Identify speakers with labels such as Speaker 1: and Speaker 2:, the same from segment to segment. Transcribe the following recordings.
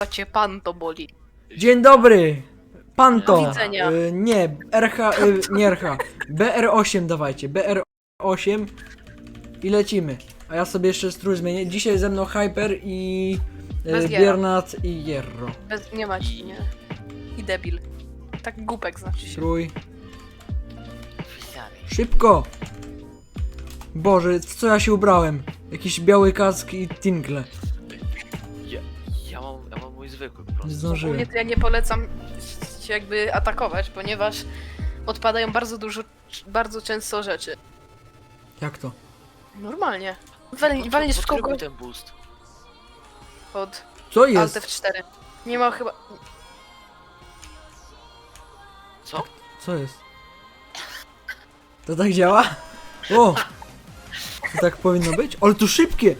Speaker 1: cię pan to boli.
Speaker 2: Dzień dobry! Panto!
Speaker 1: Do widzenia.
Speaker 2: Nie, RH, nie RH. BR8 dawajcie, BR8 i lecimy. A ja sobie jeszcze strój zmienię. Dzisiaj ze mną Hyper i
Speaker 1: Bez Jera.
Speaker 2: Biernat i Jerro.
Speaker 1: Nie ma ci, nie. I debil. Tak głupek znaczy się.
Speaker 2: Strój. Szybko! Boże, w co ja się ubrałem? Jakiś biały kask i tingle.
Speaker 3: Ja mam mój zwykły po prostu.
Speaker 2: Nie zdążyłem.
Speaker 1: Ogólnie to ja nie polecam się jakby atakować, ponieważ odpadają bardzo często rzeczy.
Speaker 2: Jak to?
Speaker 1: Normalnie. Walniesz w kogoś
Speaker 3: ten boost.
Speaker 1: pod
Speaker 2: Co
Speaker 1: Alt
Speaker 2: jest?
Speaker 1: F4. Nie ma chyba...
Speaker 3: Co?
Speaker 2: Co jest? To tak działa? O! To tak powinno być? Ale to szybkie!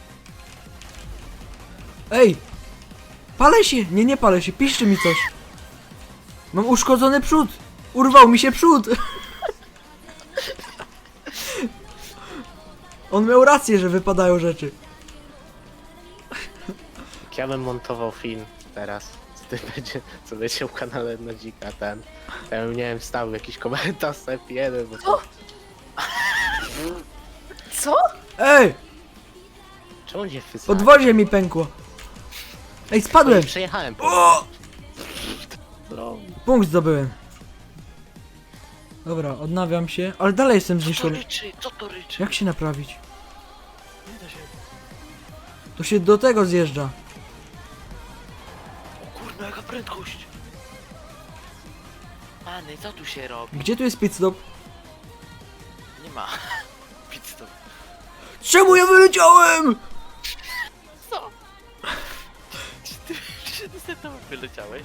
Speaker 2: Ej! Palę się! Nie, nie palę się, piszcie mi coś! Mam uszkodzony przód! Urwał mi się przód! On miał rację, że wypadają rzeczy.
Speaker 4: Jak ja bym montował film teraz, co będzie w kanale Nodzika, to ja bym, nie wiem, wstał jakiś komentarz F1, bo
Speaker 1: Co? Co?
Speaker 2: Ej!
Speaker 4: czemu nie wysłać?
Speaker 2: Podwozie mi pękło! Ej, spadłem!
Speaker 4: Przejechałem po
Speaker 2: O!
Speaker 4: no,
Speaker 2: Punkt zdobyłem. Dobra, odnawiam się, ale dalej jestem
Speaker 3: Co to
Speaker 2: zniszczony.
Speaker 3: ryczy? Co to ryczy?
Speaker 2: Jak się naprawić?
Speaker 3: Nie da się.
Speaker 2: To się do tego zjeżdża.
Speaker 3: O kurna, jaka prędkość! Many, co tu się robi?
Speaker 2: Gdzie tu jest pit stop?
Speaker 3: Nie ma. Pit stop.
Speaker 2: Czemu ja wyleciałem?
Speaker 3: Co? Czy ty tam wyleciałeś?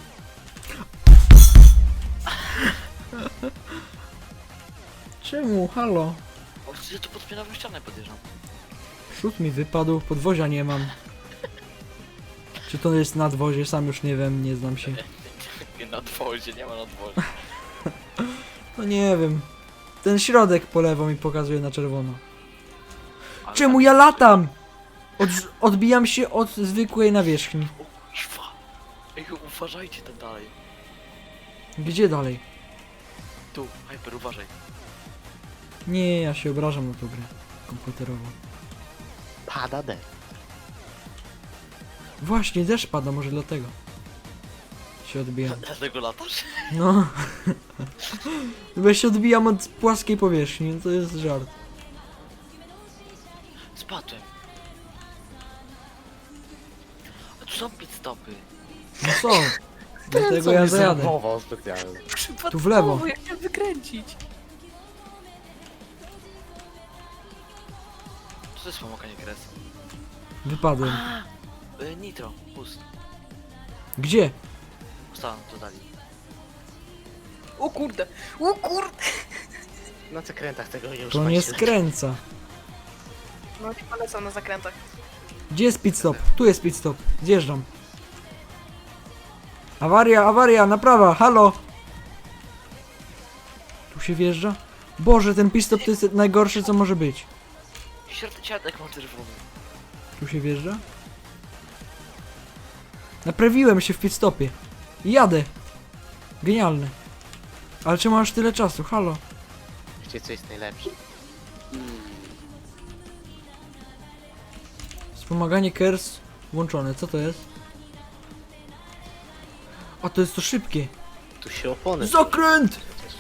Speaker 2: Czemu? Halo?
Speaker 3: O, ja tu pod spinową ścianę podjeżdżam.
Speaker 2: Przód mi wypadł, podwozia nie mam. Czy to jest nadwozie? Sam już nie wiem, nie znam się.
Speaker 3: Nie na dworze, nie ma na dworze.
Speaker 2: No nie wiem. Ten środek po lewo mi pokazuje na czerwono.
Speaker 3: Ale
Speaker 2: Czemu
Speaker 3: tak-
Speaker 2: ja latam? Odbijam się od zwykłej nawierzchni.
Speaker 3: O kurwa. Ej, uważajcie tam dalej.
Speaker 2: Gdzie dalej?
Speaker 3: Tu, Hyper, uważaj.
Speaker 2: Nie, ja się obrażam na tą grę komputerową.
Speaker 4: pada D.
Speaker 2: Właśnie, deszcz pada, może dlatego. Się odbijam.
Speaker 3: Dlatego latasz?
Speaker 2: No. Bo ja się odbijam od płaskiej powierzchni, no to jest żart.
Speaker 3: Spadłem. A tu są pit stopy.
Speaker 2: No co? Dlatego ja zajadę.
Speaker 4: Zerwował specjalnie.
Speaker 2: Tu w lewo.
Speaker 1: Ja chciałem wykręcić.
Speaker 3: Co to jest pomaganie kres?
Speaker 2: Wypadłem.
Speaker 3: Nitro, boost.
Speaker 2: Gdzie?
Speaker 3: Ustalam, to dali.
Speaker 1: O kurde. O kurde.
Speaker 4: Na zakrętach tego nie
Speaker 2: To
Speaker 4: używajcie.
Speaker 2: nie skręca.
Speaker 1: No nie polecam na zakrętach.
Speaker 2: Gdzie jest pit stop? Tu jest pit stop. Zjeżdżam. Awaria, awaria, naprawa, halo! Tu się wjeżdża? Boże, ten pit stop to jest najgorsze co może być.
Speaker 3: Siatek mam czerwony.
Speaker 2: Tu się wjeżdża? Naprawiłem się w pit stopie. I jadę. Genialne. Ale czemu masz tyle czasu? Halo?
Speaker 4: Wiecie co jest najlepsze?
Speaker 2: Wspomaganie KERS włączone. Co to jest? A to jest to szybkie.
Speaker 4: Tu się opony.
Speaker 2: Zakręt!
Speaker 4: Przecież.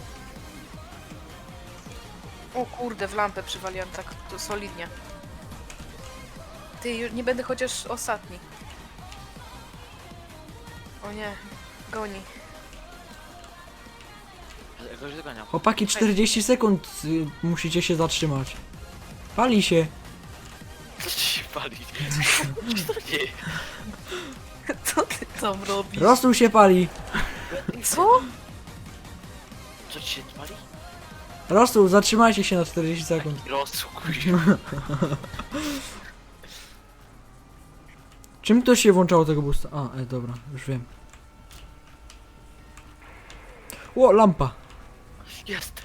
Speaker 1: O kurde, w lampę przywaliłem tak to solidnie. Ty, już nie będę chociaż ostatni. O nie, goni.
Speaker 3: Ja go już doganiam.
Speaker 2: Chłopaki, 40 sekund musicie się zatrzymać. Pali się.
Speaker 3: Co ci się pali? Co to nie?
Speaker 1: Co ty tam robisz?
Speaker 2: Rosół się pali.
Speaker 1: Co?
Speaker 3: Co ci się pali?
Speaker 2: Rosół, zatrzymajcie się na 40 sekund.
Speaker 3: Rozsukuj.
Speaker 2: Czym to się włączało tego boosta? A, dobra, już wiem. O, lampa.
Speaker 3: Jest.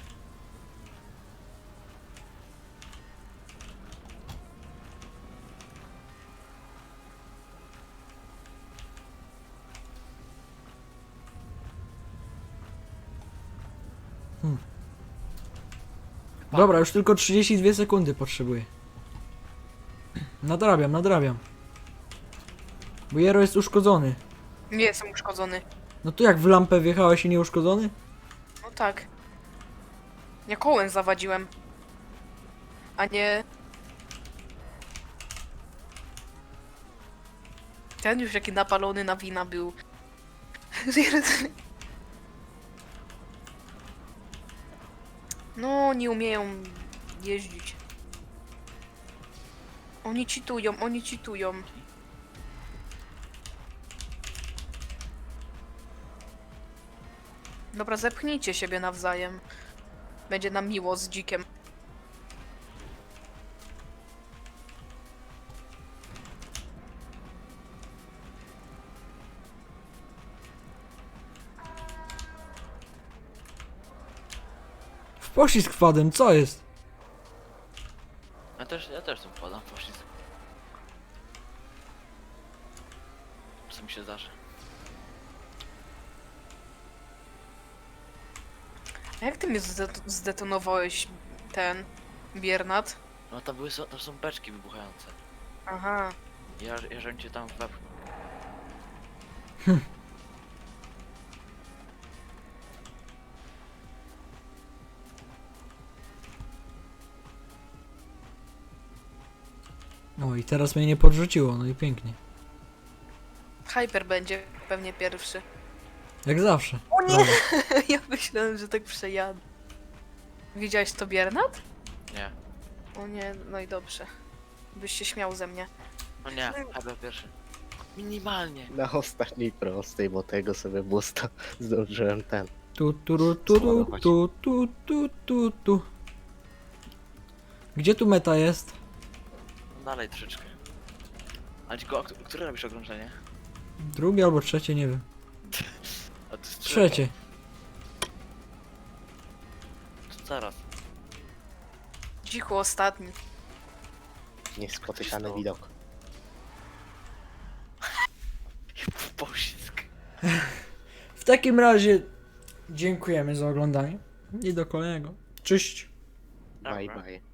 Speaker 2: Dobra, już tylko 32 sekundy potrzebuję. Nadrabiam. Bo Jero jest uszkodzony.
Speaker 1: Nie jestem uszkodzony.
Speaker 2: No to jak w lampę wjechałeś i nie uszkodzony?
Speaker 1: No tak. Ja kołem zawadziłem. A nie... Ten już jaki napalony na wina był. No, nie umieją jeździć. Oni cheatują. Dobra, zepchnijcie siebie nawzajem. Będzie nam miło z dzikiem.
Speaker 2: W poślizg wpadłem, co jest?
Speaker 3: Ja też tu wpadam w poślizg. Co mi się zdarzy?
Speaker 1: A jak ty mnie zdetonowałeś, ten Biernat?
Speaker 3: No tam są beczki wybuchające.
Speaker 1: Aha.
Speaker 3: Ja żebym cię tam wepchnął.
Speaker 2: No i teraz mnie nie podrzuciło, no i pięknie.
Speaker 1: Hyper będzie pewnie pierwszy.
Speaker 2: Jak zawsze.
Speaker 1: O nie!
Speaker 2: Brawo.
Speaker 1: Ja myślałem, że tak przejadę. Widziałeś to, Biernat?
Speaker 3: Nie.
Speaker 1: O nie, no i dobrze. Byś się śmiał ze mnie.
Speaker 3: No nie, chyba pierwszy. Minimalnie.
Speaker 4: Na ostatniej prostej, bo tego sobie busta zdążyłem ten.
Speaker 2: Tu. Gdzie tu meta jest?
Speaker 3: No dalej troszeczkę. Ale tylko, które robisz okrążenie?
Speaker 2: Drugie albo trzecie, nie wiem.
Speaker 3: A to jest
Speaker 2: Trzecie.
Speaker 3: To zaraz.
Speaker 1: Dziku ostatni.
Speaker 4: Niespotykany widok.
Speaker 3: W poślizg.
Speaker 2: W takim razie dziękujemy za oglądanie i do kolejnego. Cześć!
Speaker 4: Bye
Speaker 3: Dobra.
Speaker 4: bye.